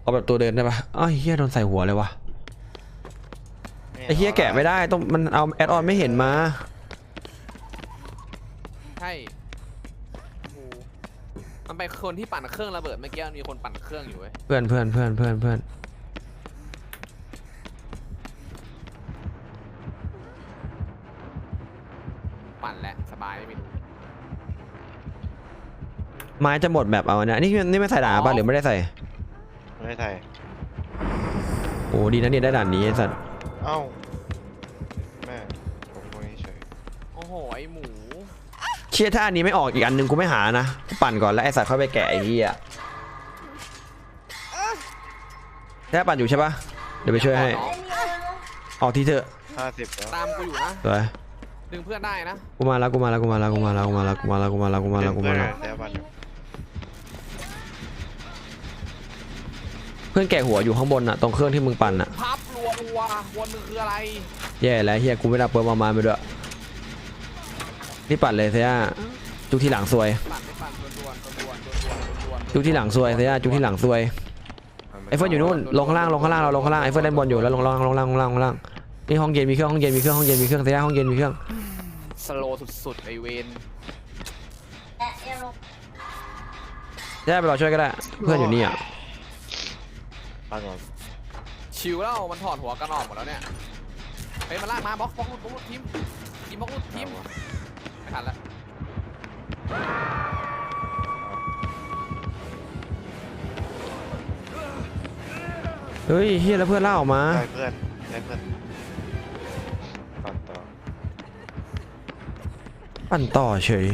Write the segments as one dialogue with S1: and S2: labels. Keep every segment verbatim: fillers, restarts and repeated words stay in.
S1: เอาแบบตัวเดินได้ปะอ้าวเฮียโดนใส่หัวเลยวะไอ้เฮียแกะไม่ได้ต้องมันเอาแอดออนไม่เห็นมา
S2: ใช่มันไปคนที่ปั่นเครื่องระเบิดเมื่อกี้มันมีคนปั่นเครื่องอยู่เว้ย
S1: เพื่อนเพื่อนเพื่อนเพื่อนเพื่อน
S2: ปั่นแหละสบายไม่มี
S1: ไม้จะหมดแบบเอาเนี่ยนี่นี่ไม่ใส่ด่านป่ะหรือไม่ได้ใส่
S3: ไม่ได้ใส่
S1: โอ้ดีนะเนี่ยได้ด่านนี้ไอ้สัตว์
S3: เอ้าแม่ผมคนนี้เฉย
S2: โอ้โหไอหมู
S1: เชี่ยถ้าอันนี้ไม่ออกอีกอันหนึ่งกูไม่หานะปั่นก่อนแล้วไอ้สัตว์ค่อยไปแกะไอ้เหี้ยแค่ปั่นอยู่ใช่ปะเดี๋ยวไปช่วยให้ออกทีเถอะ
S3: ห้าสิบแล้ว
S2: ตามกูอยู่นะ
S1: สวย
S2: ดึงเพื่อนได้นะ
S1: กูมาแล้วกูมาแล้วกูมาแล้วกูมาแล้วกูมาแล้วกูมาแล้วกูมาแล้วกูมาแล้วกูมาแล้วเพื่อนแกะหัวอยู่ข้างบนน่ะตรงเครื่องที่มึงปั่นน่ะ
S2: พับรัวรัววนมึงคืออะไร
S1: แย่แล้วเฮียกูไม่ได้เปิดประมาณไปด้วยนี่ปั่นเลยเสียจุกที่หลังซวยจุกที่หลังซวยเสียจุกที่หลังซวยไอเฟิร์นอยู่นู่นลงข้างล่างลงข้างล่างเราลงข้างล่างไอเฟิร์นเล่นบอลอยู่แล้วลงล่างลงล่างลงล่างลงล่างนี่ห้องเย็นมีเครื่องห้องเย็นมีเครื่องห้องเย็นมีเครื่องเสียห้องเย็นมีเครื่อง
S2: สโลว์สุดๆไอเวน
S1: เสียไปรอช่วยก็ได้เพื่อนอยู่นี่อ่ะ
S2: ชิวแล้วมันถอดหัวกันออกหมดแล้วเนี่ยไปมาลากมาบล็อกบล็อกบล็อกทีมทีมบล็อกทีมไม่ทันแล้ว
S1: เฮ้ยเฮียแล้วเพื่อนล่าออกมา
S3: ได้เพื่อนได้เพื่อนปั่นต่อ
S1: ปั่นต่อเฉย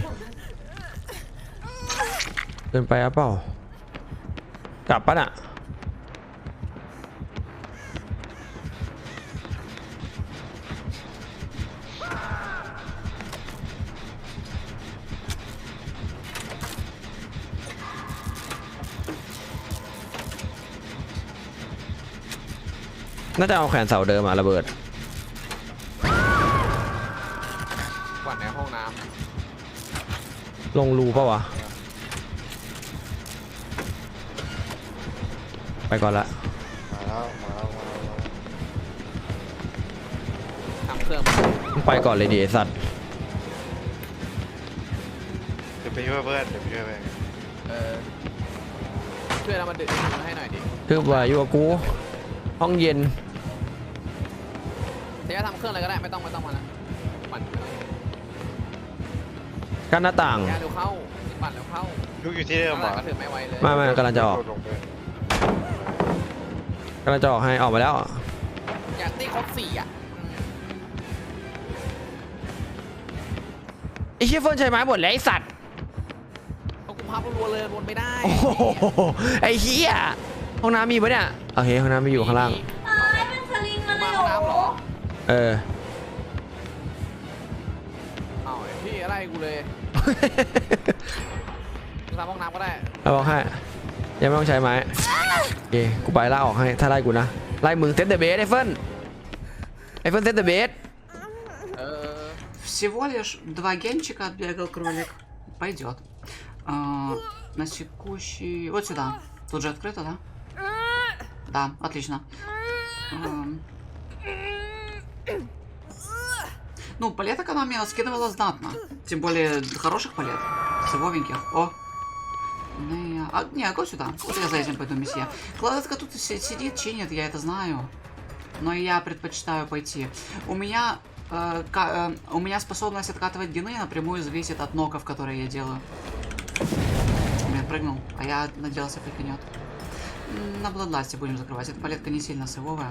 S1: เดินไปอ่ะเปล่ากลับปะน่ะน่าจะเอาแขวนเสาเดิมมาระเบิด
S2: กวาดในห้องน้
S1: ำลงรูเปล่าวะไปก่อนละ
S3: มาแล้วมาแล้วมาแล้ว
S2: ทำเครื่อง
S1: ไปก่อนเลยดิไอสัตว์
S3: เดี๋ยวไปช่วยเพื่อนเดี๋ยวไปช่วยเพื่อน
S2: เออช่วยเรามาดึงให้หน่อยดิ
S1: คือว่าอยู่กับกูห้องเย็น
S2: เดี๋ยวทำเครื่องอะไรก็ได้ไม่ต้องไม่ต้องมาแล้วปั่น
S1: กันหน้าต่าง
S2: ยาเร็วเข้าปั่นเร็วเข้า
S3: ยุกอยู่ที่เดิมเหรอ
S2: ก็ถือไม่ไวเลย
S1: ไม่ไม่กำลังจะออกกำลังจะออกให้ออกมาแล้ว
S2: อยากตีครบสี่อ่ะ
S1: ไอเชี่ยเฟิร์นใช้ไม้หมดแล้วไอสัตว์
S2: ต้องกูพับรัวเลยวนไม่ได้
S1: โอ้โหไอเหี้ยห้องน้ำมีปะเนี่ยโอเคห้องน้ำมีอยู่ข้างล่าง
S2: เป็นสลิงมาเลยเหรอ
S1: เออ
S2: เอาไอ้พี่อะไรกูเลยทำห้องน้ำก็ได้
S1: เอาบอกให้ยังไม่ต้องใช้ไม้โอเคกูไปล่าออกให้ถ้าไล่กูนะไล่มึงเซตเดอะเบสไอเฟิร์นไอเฟิร์นเซตเดอะเบส
S4: Всего лишь два генчика отбегал кролик. Пойдет. А, на текущий... Вот сюда. Тут же открыто, да? Да, отлично. А... Ну, палеток она мне скидывала знатно. Тем более хороших палет. Сывовеньких. О! Не, а, не, го сюда. Вот я за этим пойду, месье. Кладетка тут сидит, чинит, я это знаю. Но я предпочитаю пойти. У меня... Э, э, у меня способность откатывать гены напрямую зависит от ноков, которые я делаю. Блин, прыгнул, а я надеялся прикинет. На Бладласте будем закрывать. Эта палетка не сильно сывовая.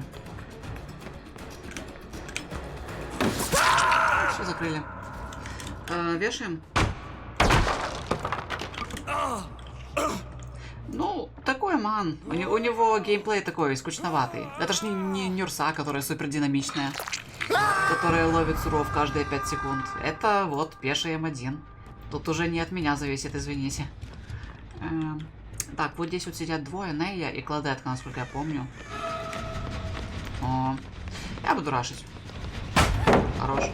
S4: Все закрыли. Э, вешаем. Ну, такой ман. У, не, у него геймплей такой скучноватый. Это ж не, не Нюрса, которая супер динамичная. Которая ловит суров каждые пять секунд. Это вот пеший эм один. Тут уже не от меня зависит, извините. Эм, так, вот здесь вот сидят двое, Нея и Кладетка, насколько я помню. О, я буду рашить. Хорош.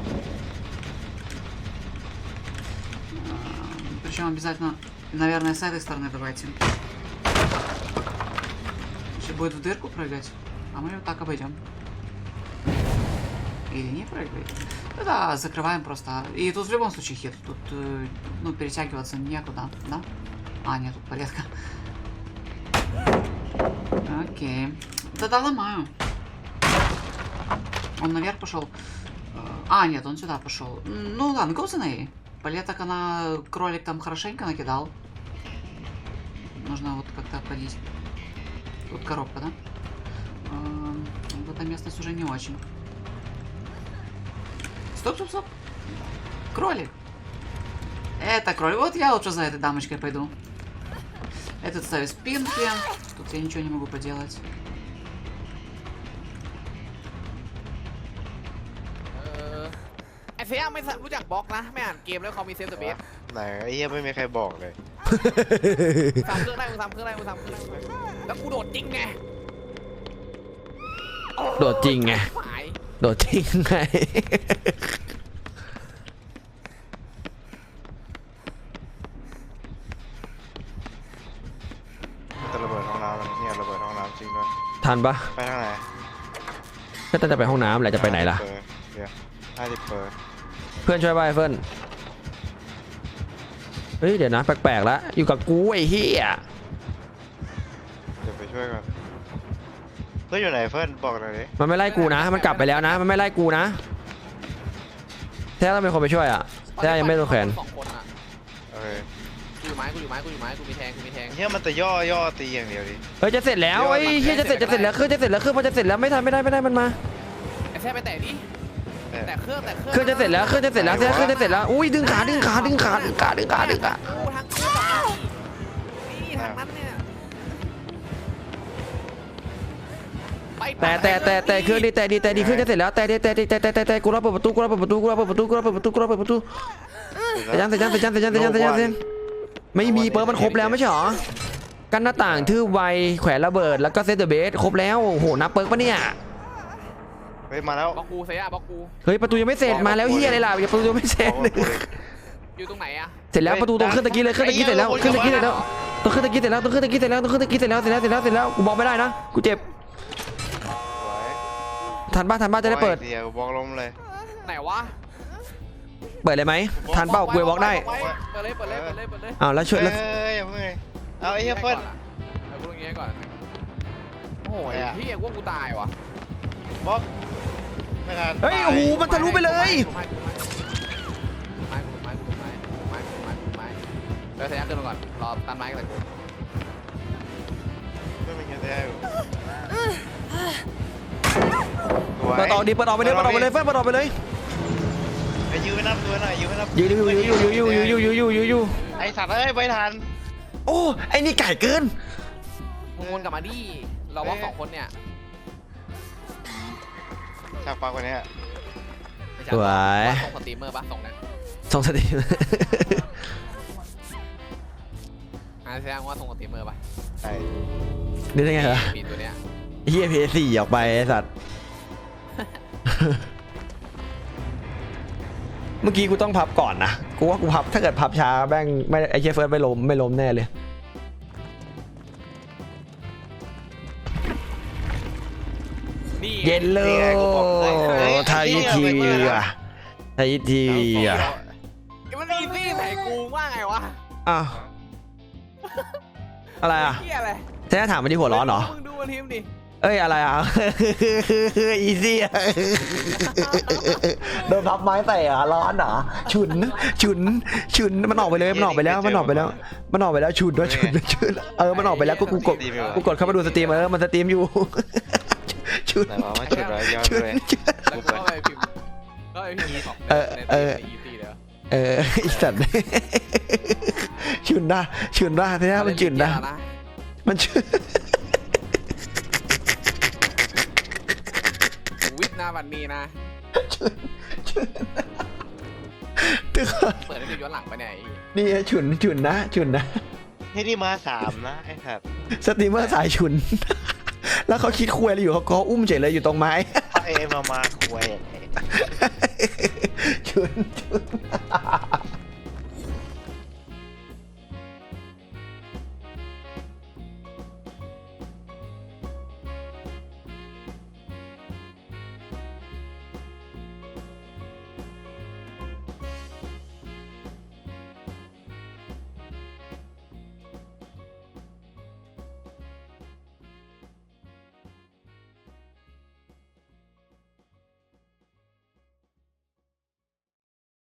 S4: Эм, причем обязательно, наверное, с этой стороны давайте. Сейчас будет в дырку прыгать, а мы вот так обойдем. Или не прыгает. Ну да, закрываем просто. И тут в любом случае хит. Тут, э, ну, перетягиваться некуда, да? А, нет, тут палетка. Окей. Да-да, ломаю. Он наверх пошел. А, нет, он сюда пошел. Ну ладно, go за ней. Палеток она, кролик там хорошенько накидал. Нужно вот как-то обходить. Тут коробка, да? Эм, вот эта местность уже не очень. Стоп, стоп, стоп. Кролик. Это кролик. Вот я лучше за этой дамочкой пойду. Этот ставит спинки. Тут я ничего не могу поделать.
S2: ไอ้เฟียไม่รู้จักบล็อกนะไม่อ่านเกมแล้วเขามีเซฟตัวเบส
S3: ไหนไอ้เหี้ยไม่มีใครบอกเลย
S2: ทำเครื่องได้มึงทำเครื่องได้มึงทำเครื่องได้แล้วกูโดดจริงไง
S1: โดดจริงไง
S2: หาย
S1: โดดจริงไง
S3: มันจะระเบิดห้องน้ำมันเนี่ยระเบิดห้องน้ำจริงด้วย
S1: ทันปะ
S3: ไปทางไหน
S1: ก็จะไปห้องน้ำแหละจะไปไหนล่ะ
S3: เปอร์เดี๋ยวห้าสิบเปอร์
S1: เพื่อนช่วยไปเฟิร์นเฮ้ยเดี๋ยวนะแปลกๆแล้วอยู่กับกูไอ้เหี้ย
S3: เดี๋ยวไปช่วยก่อนเพื่อนอยู่ไหนเพื่อนบอกหน่อยดิ
S1: มันไม่ไล่กูนะมันกลับไปแล้วนะมันไม่ไล่กูนะแท้ต้องเป็นคนไปช่วยอ่ะแท้ยังไม่โดนแขวน
S2: สองคนอ่ะ
S3: โอเค
S2: กูอยู่ไม้กูอยู่ไม้กูอยู่ไม้กูมีแทงกูมีแทง
S3: เฮียมันจะย่อย่อตีอย่างเดียวดิ
S1: เฮ้ยจะเสร็จแล้วไอ้เหี้ยจะเสร็จจะเสร็จแล้วเครื่องจะเสร็จแล้วเครื่องพอจะเสร็จแล้วไม่ทันไม่ได้ไม่ได้มันมา
S2: ไอ้แท้ไปแตะดิ
S3: แต่
S2: แตะเครื่องแตะเครื่อง
S1: เครื่องจะเสร็จแล้วเครื่องจะเสร็จแล้วแท้เครื่องจะเสร็จแล้วอุ้ยดึงขาดึงขาดึงขาดึงขาดึงขาดึงขา
S2: กูทางเครื่องนี่ทางนั้นเนี่ยไป
S1: แต่แต่แต่แต่เครื่องดีแต่ดีแต่ดีเครื่องจะเสร็จแล้วแต่ดีแต่ดีแต่แต่แต่แต่กูรอเปิดประตูกูรอเปิดประตูกูรอเปิดประตูกูรอเปิดประตูกูรอเปิดประตูเสร็จยังเสร็จยังเสร็จยังเสร็จยังเสร็จยังเสร็จยังเสร็จไม่มีเปิดมันครบแล้วไม่ใช่หรอกันหน้าต่างทื่อไวแขวนระเบิดแล้วก็เซตเดอะเบสครบแล้วโอ้โหนับเปิร์กปะเนี่ย
S3: เฮ้ยมาแล้ว
S2: บล็อกกูเสียบล็อกกู
S1: เฮ้ยประตูยังไม่เสร็จมาแล้วเฮียอะไรล่ะอย่าประตูยังไม่เสร็จ
S2: อยู่ตรงไหนอะ
S1: เสร็จแล้วประตูตรงเครื่องตะกี้เลยเครื่องตะกี้เสร็จแล้วเครื่องตะกี้เสร็จแล้วตรงเครื่องตะกี้เสร็จแล้วตรงเครื่องตะกี้เสร็จแล้วตรงเครื่องตะกี้เสร็จแล้วเสร็จแล้วเสร็จแล้วเสร็จแล้วกูบอกไม่ได้นะกูเจ็บ
S3: สวย
S1: ทันป่ะทันป่ะจะได้เปิด
S3: เดียวบอกลมเลย
S2: ไหนวะ
S1: เปิดเลยไหมทันเป้ากูวอล์กได้
S2: เปิดเลยเปิดเลยเปิดเลยเปิดเลย
S1: อ้าวแล้วช่วย
S3: เฮ้
S1: แล้ว
S3: ยอย่าเพิ่งเลยเอาไอ้เฮียเฟิร์น
S2: เอากูตรงนี้ก่อนโอ้ยพี่ว่ากูตายวะ
S3: บอกไม่ทัน
S1: เฮ้ยโอ้โหมันทะลุไปเลย
S2: ไม้ไม้ไม้ไม้ไม้ไม้ไม้เดี๋ยวเสียขึ้นมาก่อนรอตันไม้กันเลยกู
S3: ไม่เป็นไงแท้
S1: เปิดต่อดีเปิดออกไปเลยเปิดออกไปเลยเฟิร์นเปิดออกไปเลย
S3: ไอ้ยืนไม่นับตัวหน่อยยืนไม่นับ
S1: ยืนอยู่อยู่อยู่อยู่อยู่อยู่อยู่อยู่อยู่
S3: ไอ้สัตว์เอ้ยไม่ทัน
S1: โอ้ไอ้นี่ไก่เกิน
S2: มึงวนกลับมาดิเราว่าสองคนเนี่ย
S3: ฉากปากกว่านี้
S1: สวย
S2: ส่งสตรีมเมอร์ปะส่งนะ
S1: ส่งสติ
S2: อ่าแสดงว่าส่งสตรีมเมอร์ปะ
S3: ใช่
S1: นี่ได้ไงเหรอ
S2: ปีตัวเนี้ย
S1: เฮียพีสี่ออกไปไอ้สัตว์ เมื่อกี้กูต้องพับก่อนนะกูว่ากูพับถ้าเกิดพับช้าแม่งไม่ไอ้เชี่ยเฟิร์สไม่ล้มไม่ล้มแน่เลยเย็นเลยไทยทีวีอ่ะไทยทีวีอ่ะ
S2: มันอีซี่ใส่กูว่าไงวะ
S1: อ้าวอะไรอ่ะ
S2: เฮียอะไร
S1: แท้ถามมาที่หัวร้อนเหรอ
S2: มึงดูมันทีมดิ
S1: เอ้ยอะไรอ่ะ อีซี่อ่ะ โดนพับไม้ใส่อ่ะร้อนเหรอฉุนฉุนฉุนมันออกไปเลยมันออกไปแล้วมันออกไปแล้วมันออกไปแล้วฉุนด้วยฉุนฉุนเออมันออกไปแล้วกูกูกดกูกดเข้ามาดูสตรีมเออมันสตรีมอยู่ ฉุน
S3: ไหนวะมาฉุดไว้ย้อน
S1: ฉุน
S3: เลย
S2: แล้วก็ไปพิมพ์ก็ไปพิมพ์ในอีซี่เลย
S1: เออไอสัตว์ ฉุนนะฉุนนะแท้มันฉุนนะมันฉุน
S2: วิทย์หน้าวันนี้นะ
S1: ตึก
S2: เปิดให้ดูย้อนหลังไปไหน
S1: นี่ฉุนฉุนนะฉุนนะ
S3: ให้ที่มาสามนะไอ้สัตว์
S1: สตรีมเมอร์สายฉุน แล้วเขาคิดคุยอะไรอยู่เขาก็อุ้มเฉยเลยอยู่ตรงไม้
S3: เอ้มามาคุย
S1: ฉุนฉุน